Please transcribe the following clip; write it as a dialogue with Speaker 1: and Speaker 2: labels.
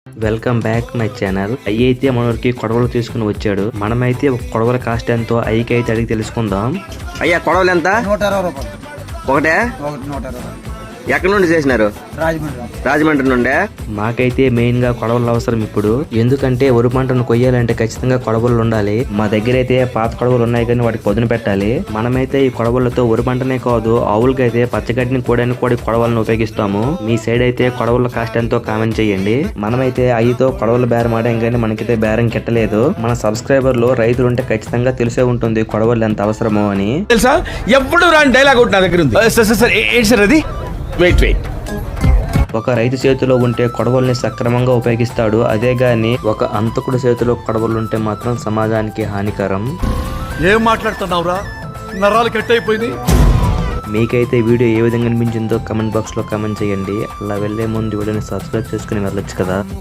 Speaker 1: Welcome back my channel. అయ్యి అయితే మనకి కొడవలు తీసుకుని వచ్చాడు. మనమైతే ఒక కొడవల కాస్ట్ ఎంతో అయ్యికి అయితే అడిగి తెలుసుకుందాం.
Speaker 2: అయ్యా కొడవలు ఎంత?
Speaker 3: 120 రూపాయలు
Speaker 2: ఒకటే?
Speaker 3: 120.
Speaker 2: ఎక్కడి నుండి చేసినారు? రాజమండ్రి నుండే.
Speaker 1: మాకైతే మెయిన్ గా కొడవలు అవసరం ఇప్పుడు. ఎందుకంటే వరి పంటను కొయ్యాలంటే ఖచ్చితంగా కొడవలు ఉండాలి. మా దగ్గర అయితే పాత కొడవలు ఉన్నాయి కానీ వాటికి పొదును పెట్టాలి. మనమైతే ఈ కొడవలతో వరి పంటనే కాదు ఆవులకైతే పచ్చగడ్డిని కోయడానికి కూడా కొడవలను ఉపయోగిస్తాము. మీ సైడ్ అయితే కొడవల కాస్ట్ ఎంతో కామెంట్ చేయండి. మనమైతే అయ్యితో కొడవల బేరం ఆడాం కానీ మనకైతే బేరం కెట్టలేదు. మన సబ్స్క్రైబర్లు రైతులు ఉంటే ఖచ్చితంగా తెలిసే ఉంటుంది కొడవలు ఎంత అవసరమో అని.
Speaker 4: తెలుసా ఎప్పుడు రాని డైలాగ్ ఒకటి నా దగ్గర ఉంది. సార్ ఏంటి సార్ అది? వెయిట్
Speaker 1: ఒక రైతు చేతిలో ఉంటే కొడవల్ని సక్రమంగా ఉపయోగిస్తాడు. అదే గాని ఒక అంతకుడు చేతిలో కొడవలుంటే మాత్రం సమాజానికి హానికరం.
Speaker 5: ఏం మాట్లాడుతున్నావురా? నరాలు కట్ అయిపోయింది.
Speaker 1: మీకైతే వీడియో ఏ విధంగా అనిపించిందో కమెంట్ బాక్స్ లో కామెంట్ చేయండి. అలా వెళ్లే ముందు వీడియోని సబ్స్క్రైబ్ చేసుకుని వెళ్ళొచ్చు కదా.